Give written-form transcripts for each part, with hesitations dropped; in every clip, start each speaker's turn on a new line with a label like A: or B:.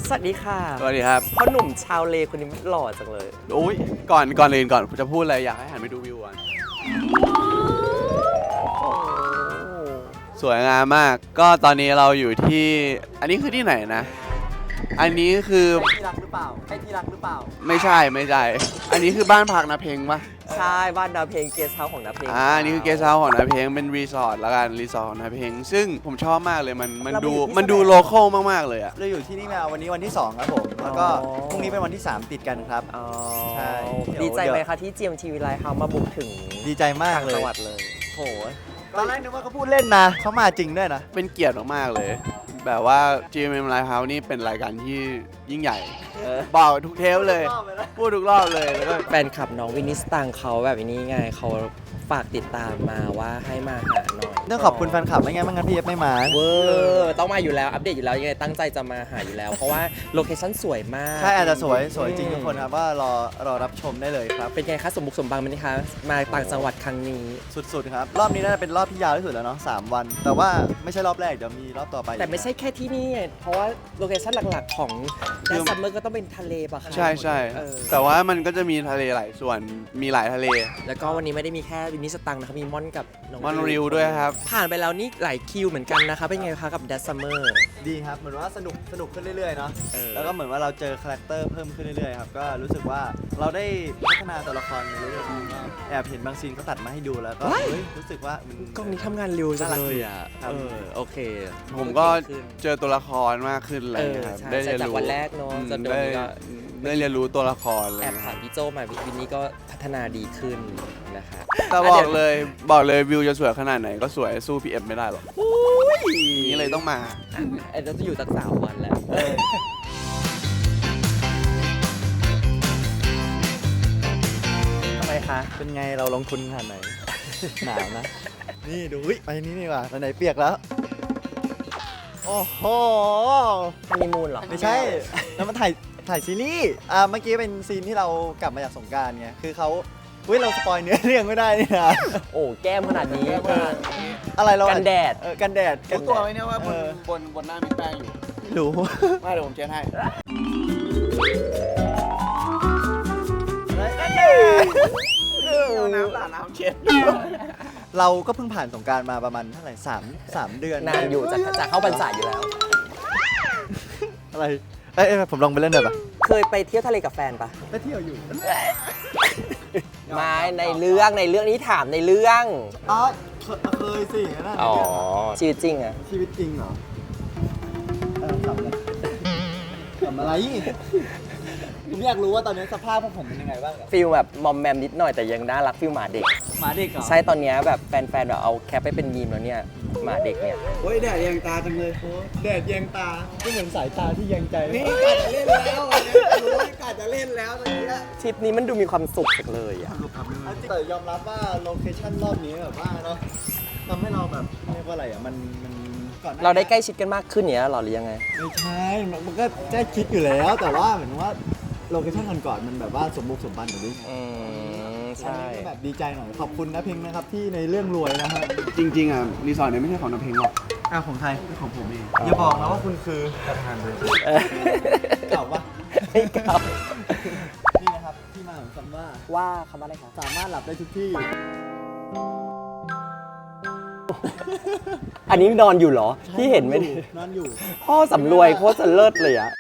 A: สวัสดีค่ะ
B: สวัสดีครับ
A: พ่อหนุ่มชาวเลคนนี้หล่อจังเลย
B: อุ้ยก่อนอื่นก่อนจะพูดอะไรอยากให้หันไปดูวิวก่อนสวยงามมากก็ตอนนี้เราอยู่ที่อันนี้คือที่ไหนนะอันนี้คือ
A: ที่รักหรือเปล่าให้ที่รักหรือเปล่า
B: ไม่ใช่อันนี้คือบ้านพักนาเพงปะ
A: ใช่บ้านนาเพลงเกสต์เฮาส์ของนาเพลง
B: อันนี้คือเกสต์เฮาส์ของนาเพงเป็นรีสอร์ทละกันรีสอร์ทของนาเพงซึ่งผมชอบมากเลยมันดูโลคอลมากๆเลยอะ
C: เราอยู่ที่นี่มาวันนี้วันที่2ครับผมแล้วก็พรุ่งนี้เป็นวันที่3ติดกันครับใช่
A: ดีใจไหมคะที่ GMTV Lighthouse มาบุกถึง
C: ดีใจมากเลย
A: จังหวัดเลย
C: โหตอนแรกนึกว่าเขาพูดเล่นนะเขามาจริงด้วยนะ
B: เป็นเกียรติมากๆเลยแบบว่า GMM Lighthouse นี่เป็นรายการที่ยิ่งใหญ่บอกทุกเทปเลยพูดทุกรอบเลยแล้วก็
A: แฟนคลับน้องวินิสตังเขาแบบนี้ไงเขาฝากติดตามมาว่าให้มาหาหน่อย
C: ต้องขอบคุณแฟนคลับไม่งั้นพี่เอฟไม่มา
A: เวอร์ต้องมาอยู่แล้วอัปเดตอยู่แล้วยังไงตั้งใจจะมาหาอยู่แล้วเพราะว่าโลเคชั่นสวยมาก
C: ใช่อาจจะสวยจริงทุกคนครับว่ารอรับชมได้เลยครับ
A: เป็นไงคะสมบุกสมบังไหมคะมาต่างจังหวัดครั้งนี้
C: สุดๆครับรอบนี้น่าจะเป็นรอบที่ยาวที่สุดแล้วเนาะ3 วันแต่ว่าไม่ใช่รอบแรกเดี๋ยวมีรอบต่อไป
A: แต่ไม่ใช่แค่ที่นี่เพราะว่าโลเคชั่นหลักๆของแดนซัมเมอร์ก็ต้องเป็นทะเลป่ะคะ
B: ใช่แต่ว่ามันก็จะมีทะเลหลายส่วนมีหลายทะเล
A: แล้วก็วันนี้ไม่ได้มีแค่วินิสตังนะครับมีม่อนกับน้อง
B: ม่อนริวด้วยครับ
A: ผ่านไปแล้วนี่หลายคิวเหมือนกันนะคะเป็นไงคะกับแดนซัมเมอร์
C: ดีครับเหมือนว่าสนุกขึ้นเรื่อยๆเนาะแล้วก็เหมือนว่าเราเจอคาแรคเตอร์เพิ่มขึ้นเรื่อยๆครับก็รู้สึกว่าเราได้พัฒนาตัวละครเรื่อยๆแอบเห็นบางซีนเขาตัดมาให้ดูแล้วก็รู้สึกว่าก
A: ล้องนี้ทำงานเร็วจังเลยอ่ะโอเค
B: ผมก็เจอตัวละครมากขึ้นเลยครับ
A: ได้เรียนรู้จากวันแรกเนาะจนเดี๋ยวนี้ก็
B: ได้เรียนรู้ตัวละครเลย
A: แอบถามพี่โจมาวินนี้ก็พัฒนาดีขึ้นนะคะ
B: แต่บอกเลยวิวจะสวยขนาดไหนก็สวยสู้พี่เอฟไม่ได้หรอกนี่เลยต้องมา
A: เราจะอยู่ตั้ง3 วันแล้วทำไมคะ
C: เป็นไงเราลงทุนขนาดไหนหนาวนะนี่ดูไปนี่ว่ะไหนเปียกแล้วโอ้โห
A: ฮันนีมูนเหรอ
C: ไม่ใช่แล้วมันถ่ายซีรีส์เมื่อกี้เป็นซีนที่เรากลับมาจากสงกรานต์ไงคือเขาเราสปอยเนื้อเรื่องไม่ได้นี่นะ
A: โอ้แก้มขนาดนี้
C: อะไรเรา
A: กันแดด
C: กันแดด
B: รู้ตัวไหมเนี่ยว่าบนหน้ามีแป้งอยู่
C: รู้
B: ไม่เดี๋ยวผมเช็ดให้น้ำเช็ด
C: เราก็เพิ่งผ่านสงกรานต์มาประมาณเท่าไหร่3 เดือน
A: นานอยู่จะเข้าพรรษาอยู่แล้ว
C: อะไรผมลองไปเล่นหน่อยปะ
A: เคยไปเที่ยวทะเลกับแฟนปะ
C: ไปเที่ยวอยู่
A: ไม่ในเรื่องนี้ถามในเรื่อง
C: เคยสินะ
A: ชีวิตจริงอะ
C: ชีวิตจริงเหรอทำอะไรผมอยากรู้ว่าตอนนี้สภาพพวกผมเป็นยังไงบ้าง
A: ฟีลแบบมอมแมมนิดหน่อยแต่ยังน่ารักฟีลหมาเด็ก
C: เหรอ
A: ใช่ตอนนี้แบบแฟนแบบเอาแคปไปเป็นมีมแล้วเนี่ยหมาเด็กเนี่ย
C: โอ้ยแดดแยงตาจังเลยแดดแยงตาก็เหมือนสายตาที่แยงใจ
B: นี่กาจะเล่นแล้วรู้กาจะเล่นแล้วตอนนี้
A: ทริปนี้มันดูมีความสุขจังเลยอ่ะ
C: แต่ยอมรับว่าโลเคชั่นรอบนี้แบบว่าเนาะทำให้เราแบบเรียกว่าอะไรอ่ะมัน
A: เราได้ใกล้ชิดกันมากขึ้นเนี่ยหรอหรือยังไง
C: ไม่ใช่มันก็ใกล้ชิดอยู่แล้วแต่ว่าเหมือนว่าโลเคชั่นก่อนมันแบบว่าสมบุกสมบันแบบนี้
A: ใช่
C: แบบดีใจหน่อยขอบคุณนะเพลงนะครับที่ในเรื่องรวยนะครับ
B: จริงๆอ่ะรีสอร์ทเนี่ยไม่ใช่ของน้ำเพลงหรอก
C: ของใคร
B: ของผมเอง
C: อย่าบอกนะว่าคุณคือประธานเลยเก่าปะ
A: ไม่เก่า
C: นี่นะครับที่มาของคำ
A: ว่าคำว่าอะไรคะ
C: สามารถหลับได้ทุกที่
A: อันนี้นอนอยู่เหรอที่เห็นไหม
C: นอนอยู่
A: พ่อสำรวยโคตรจะเลิศเลยอะ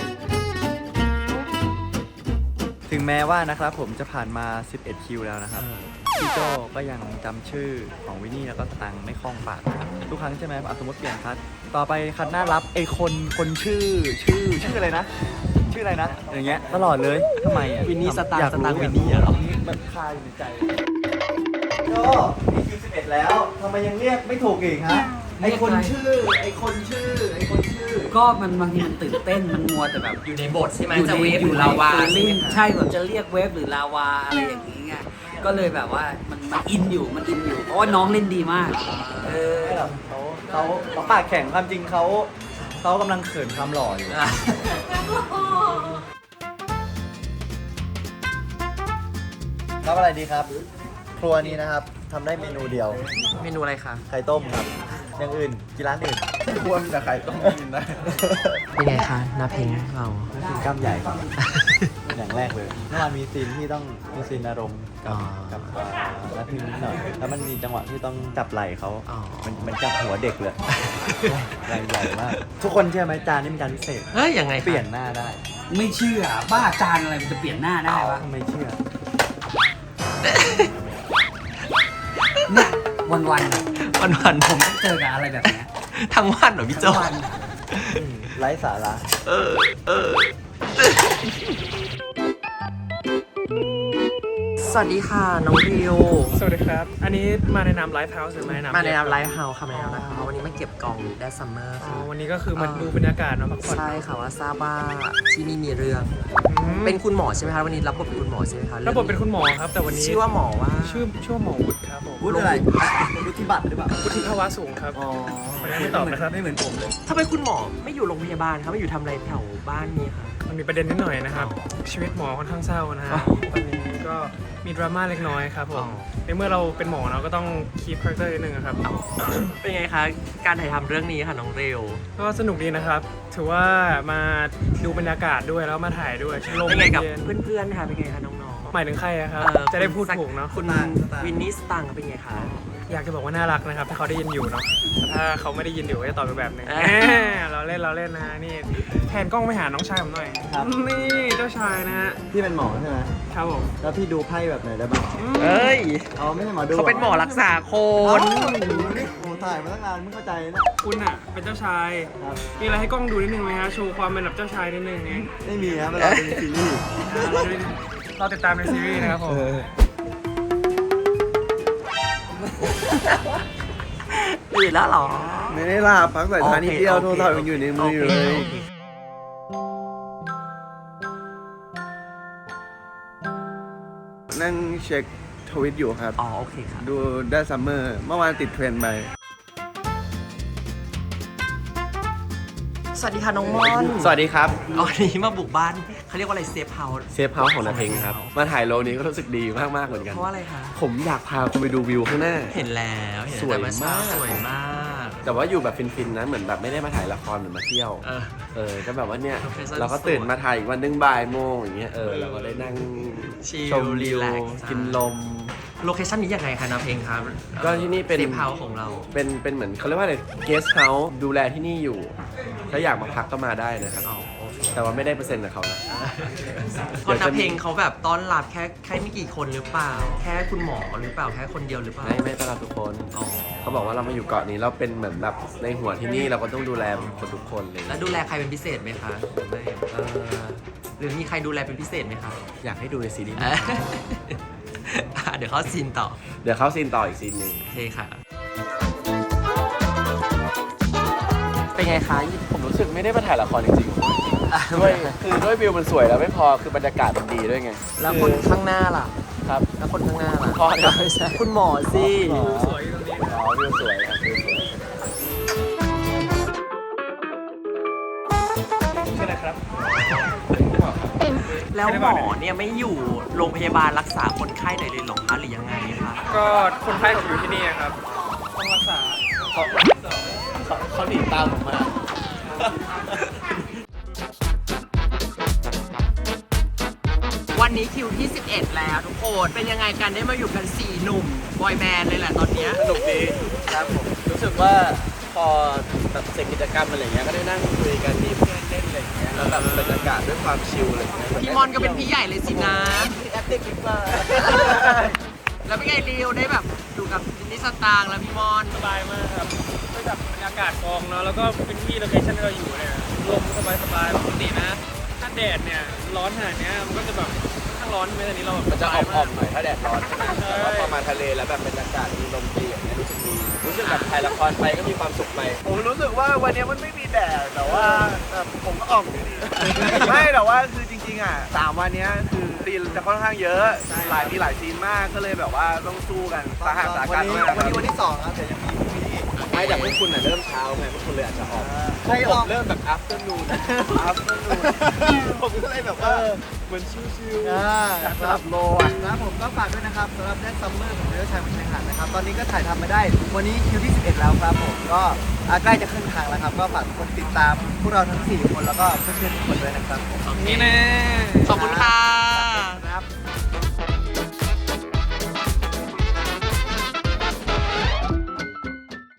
C: ถึงแม้ว่านะครับผมจะผ่านมา11คิวแล้วนะครับพี่โจก็ยังจำชื่อของวินนี่แล้วก็สตังค์ไม่คล่องปากทุกครั้งใช่ไหมสมมติเปลี่ยนคัดต่อไปคัดหน้ารับไอ้คนชื่ออะไรนะชื่ออะไรนะอย่างเงี้ยตลอดเลยทำไมอ่ะ
A: วินนี่สตังค์วินนี่เหรอ
C: มันคาอยู่ในใจโจนี่คิว11แล้วทำไมยังเรียกไม่ถูกอีกฮะไอ้คนชื่อ
D: ก็มันบางทีมันตื่นเต้นมันมัวแต่แบบ
A: อยู่ในบทใช่ไหม
D: จะเวฟอยู่ลาวาใช่แบบจะเรียกเวฟหรือลาวาอะไรอย่างนี้ไงก็เลยแบบว่ามันอินอยู่เพราะว่าน้องเล่นดีมาก
C: เขาปากแข็งความจริงเขากำลังเขินความหล่ออยู่ครับอะไรดีครับครัวนี้นะครับทำได้เมนูเดียว
A: เมนูอะไรคะ
C: ไข่ต้มครับอย่างอื่นกินร้านอื่น
B: ควรแต่ไข่ต้มกินได้
A: เป็นไงคะหน้าเพลงเรา
C: นั่นคือกล้ามใหญ่ครับ อย่างแรกเลยเมื่อวานมีซีนที่ต้องมีซีนอารมณ์กับนักพิมพ์นิดหน่อยแล้วมันมีจังหวะที่ต้องจับไหล่เขามันจับหัวเด็กเลย แรงใหญ่มากทุกคนเชื่อไหมจานนี้เป็นจานพิเศษ
A: เฮ้ยยังไงคะ
C: เปลี่ยนหน้าได้
D: ไม่เชื่อบ้าจานอะไรมันจะเปลี่ยนหน้าได้วะ
C: ทำไมเชื่อ
D: เนี่ยวันๆ
A: วัน
D: ผมต้องเจอกับอะไรแบบเนี้ย
A: ๆทั้งวันเหรอพี่โจ
D: ทั้งวัน
C: ไร้สาระ
A: สวัสดีค่ะน้องริว
E: สวัสดีครับ อันนี้มาในนามไลฟ์เฮาส์หรือมาในนาม
A: มาในนามไลฟ์เฮาส์ค่ะมาในนามไลฟ์เฮาส์วันนี้มาเก็บกล่องแดซัมเมอร์
E: อ๋อ
A: ค่ะ
E: วันนี้ก็คือมาดูบรรยากาศเนาะพักผ่อน
A: ใช่ค่ะว่าทราบว่าที่นี่มีเรื่อง
E: อืม
A: เป็นคุณหมอใช่ไหมคะวันนี้รับบทเป็นคุณหมอใช่ไหมคะ
E: รับบทเป็นคุณหมอครับ แต่วันนี้
A: ชื่อว่าหมอว่า
E: ชื่อว่าหมอวุฒิครับผม
C: วุฒิอะไรวุฒิบัตรหรือเปล่า
E: วุฒิภาวะสูงครับ
C: อ๋อ
E: ไม่ตอบนะครับ
C: ไม่เหมือนผมเลย
A: ทำไมคุณหมอไม่อยู่โรงพยาบาลคะไม่อยู่ทำอะไรแถวบ้านนี้คะ
E: มันมีประเด็นนิดหน่อยนะครับ ชีวิตหมอค่อนข้างเศร้านะฮะ
A: อ๋อ
E: ตอนนี้ก็มีดราม่าเล็กน้อยครับผ
A: อ๋
E: ม
A: อ
E: ในเมื่อเราเป็นหมอเราก็ต้องคีปคาแรคเตอร์นิดนึงอะครับ
A: เป็นไงคะการถ่ายทำเรื่องนี้ค่ะน้องเรว
E: ก็สนุกดีนะครับ ถือว่ามาดูบรรยากาศด้วยแล้วมาถ่ายด้วยลม
A: เป็นไงกับ
E: เย็น
A: เพื่อนๆคะเป็นไงคะน้อง
E: หมายถึงใครอะครับ
A: ๆ
E: จะได้พูดถูกเนาะ
A: คุณวินนี่สตังค์เป็นไงคะ
E: อยากจะบอกว่าน่ารักนะครับ ถ้าเขาได้ยินอยู่เนาะแต่ถ้าเขาไม่ได้ยินอยู่ก็จะตอบไปแบบหนึง
A: อ่า
E: เราเล่นนะฮะนี่แทนกล้องไปหาน้องชายผมหน่อย
C: ครับ
E: นี่เจ้าชายนะฮะ
C: พี่เป็นหมอใช่ไหม
E: ครับผม
C: แล้วพี่ดูไพ่แบบไหนได้บ้าง
A: เอ้ย
C: อ๋อไม่ใช่หมอดู
A: เขาเป็นหมอรักษาค
C: โอ้
A: น
C: โหถ่ายมาตั้งนานไม่เข้าใจนะ
E: คุณอะเป็นเจ้าชาย
C: ครับ
E: มีอะไรให้กล้องดูนิดนึงไหมฮะโชว์ความเป็นแบบเจ้าชายนิดนึงเนี่ย
C: ไม่มีครับเวลาดูซีรีส์
E: เราติดตามในซีรีส์นะครับผม
A: ตื่นแล้วเหรอ
B: ไม่ได้หลับพักสายตานิดเดียว
A: โอเค
B: โทรศัพท์ยังอยู่ในมืออยู่เลย
A: โค
B: นั่งเช็คทวิตอยู่ครับ
A: อ๋อโอเคครับ
B: ดูได้ซัมเมอร์เมื่อวานติดเทรนด์ไป
A: สวัสดีค่ะน้องม่อน
B: สวัสดีครับ
A: วันนี้มาบุกบ้านเขาเรียกว่าอะไรเซฟเฮาส์
B: เซฟเฮาส์ของนาเพงครับ มาถ่ายโลนี้ก็รู้สึกดีมากๆเหมือนกัน
A: เพราะว่าอะไรคะ
B: ผมอยากพาคุณไปดูวิวข้างหน้า
A: เห็นแล้วเห็น
B: สวย
A: แต่เอเช้
B: มาก
A: สวยมาก
B: แต่ว่าอยู่แบบฟินๆนะ เหมือนแบบไม่ได้มาถ่ายละครเหมือนมาเที่ยว ก็แบบว่าเนี่ย
A: Location
B: เราก็ตื่นมาถ่ายอีกวันหนึงบ่ายโมงอย่างเงี้ย เราก็ได้นั่ง
A: ชิล
B: ชมวิว
A: รีแลกซ์
B: กินลม
A: โลเคชั่นนี้ยังไงคะน้าเพลงครับ
B: ก็ที่นี่เป็น
A: เซฟเฮาส์ของเรา
B: เป็นเหมือนเขาเรียกว่าอะไรเกสต์เฮาส์ดูแลที่นี่อยู่ ถ้าอยากมาพักก็มาได้นะครับ
A: อ๋อโอเค
B: แต่ว่าไม่ได้เปอร์เซ็นต์กับเขานะ
A: คนน้าเพลงเขาแบบต้อนรับแค่ไม่กี่คนหรือเปล่า แค่คุณหมอหรือเปล่าแค่คนเดียวหรือเปล่า
B: ไม่ต้อนรับทุกคน
A: อ๋อ
B: เขาบอกว่าเรามาอยู่เกาะนี้เราเป็นเหมือนแบบในหัวที่นี่เราก็ต้องดูแลคนทุกคนเลย
A: แล้วดูแลใครเป็นพิเศษไหมคะหรือไม่
B: เออ
A: หรือมีใครดูแลเป็นพิเศษไหมคะ
B: อยากให้ดูในซีรีส์
A: เดี๋ยวเขาซีนต่อ
B: เดี๋ยวเข้าซีนต่ออีกซีนหนึ่ง
A: โอเคค่ะ เป็นไงคะ
B: ผมรู้สึกไม่ได้มาถ่ายละครจริงๆด้วยคือด้วยวิวมันสวยแล้วไม่พอคือบรรยากาศมันดีด้วยไง
A: แล้วคนข้างหน้าล่ะ
B: ครับ
A: แล้วคนข้างหน้าล่ะ
B: พ่อเนี่ย
A: ไม่ใช่คุณหมอสิ
E: วิวสวยอยู่ตรงนี้
B: อ๋อวิวสวยครับวิวสวย
E: ใช่ไหมครับ
A: แล้วหมอเนี่ยไม่อยู่โรงพยาบาลรักษาคนไข้ไหนเลยเหรอคะหรือยังไงคะ
E: ก็คนไข้ผมอยู่ที่นี่ครับ ต้องรักษา
B: เขาหนีตามผมมา
A: วันนี้คิวที่ 11 แล้วทุกคน เป็นยังไงกันได้มาอยู่กัน 4 หนุ่มบอยแบนด์เลยแหละตอนเนี้ย
B: สนุกดีครับผมรู้สึกว่าพอแบบเสร็จกิจกรรมอะไรอย่างเงี้ยก็ได้นั่งคุยกันมีเพื่อนเล่นอะไรอย่างเงี้ยแล้วแบบบรรยากาศด้วยความชิลอะไรอย่างเงี้ย
A: พี่มอนก็เป็นพี่ใหญ่เลยสินะ
B: แอคติ้งมาก
A: แล้วเป็นไงริวได้แบบอยู่กับวินนี่สตางค์แล้วพี่มอน
E: สบายมากครับด้วยกับบรรยากาศกองเนาะ แล้วก็เป็นที่โลเคชั่นที่เราอยู่เนี่ย ลมสบายๆปกตินะ ถ้าแดดเนี่ยร้อนขนาดเนี้ยมันก็จะแบบค่อนข้างร้อนใช่ไหมแต่นี้เราแบบ
B: มันจะ
E: ส
B: อ่
E: บาย
B: อมๆหน่อยถ้าแดดร้อนใช่ไหมแต่ว่าพอมาทะเลแล้วแบบบรรยากาศมีลมดีอย่างเงี้ยรู้สึกดีรู้สึกแบบถ่ายละครไปก็มีความสุขไปผมรู้สึกว่าวันนี้มันไม่มีแดดแต่ว่าผมก็อ่อมอยู่ดี ไม่แต่ว่าคือจริงๆอ่ะ3วันเนี้ยคือซีนจะค่อนข้างเยอะมีหลายซีนมากก็เลยแบบว่าต้องสู้กันสาหัสสากันมาก
C: วันนี้วันที่2ครับแต่ยังมีพรุ่งนี้อีก
B: ไม่แต่พวกคุณเริ่มเช้าไงพวกคุณเลยอาจจะออก
C: ใครออก
B: ผมเริ่มแบบ afternoon ผมก็เลยแบบว่าเหมือนชิวๆสำหรับโลอ่ะ
C: ครับผมก็ฝากด้วยนะครับสำหรับแดนซัมเมอร์ของเรือชายบนชายหาดนะครับ ตอนนี้ก็ถ่ายทำมาได้ วันนี้คิวที่ 11 แล้วครับผมก็ใกล้จะขึ้นทางแล้วครับ ก็ฝากทุกคนติดตามพวกเราทั้ง 4 คนแล้วก็เพื่อนๆทุกคนด้วยนะครับผม
E: นี่แน่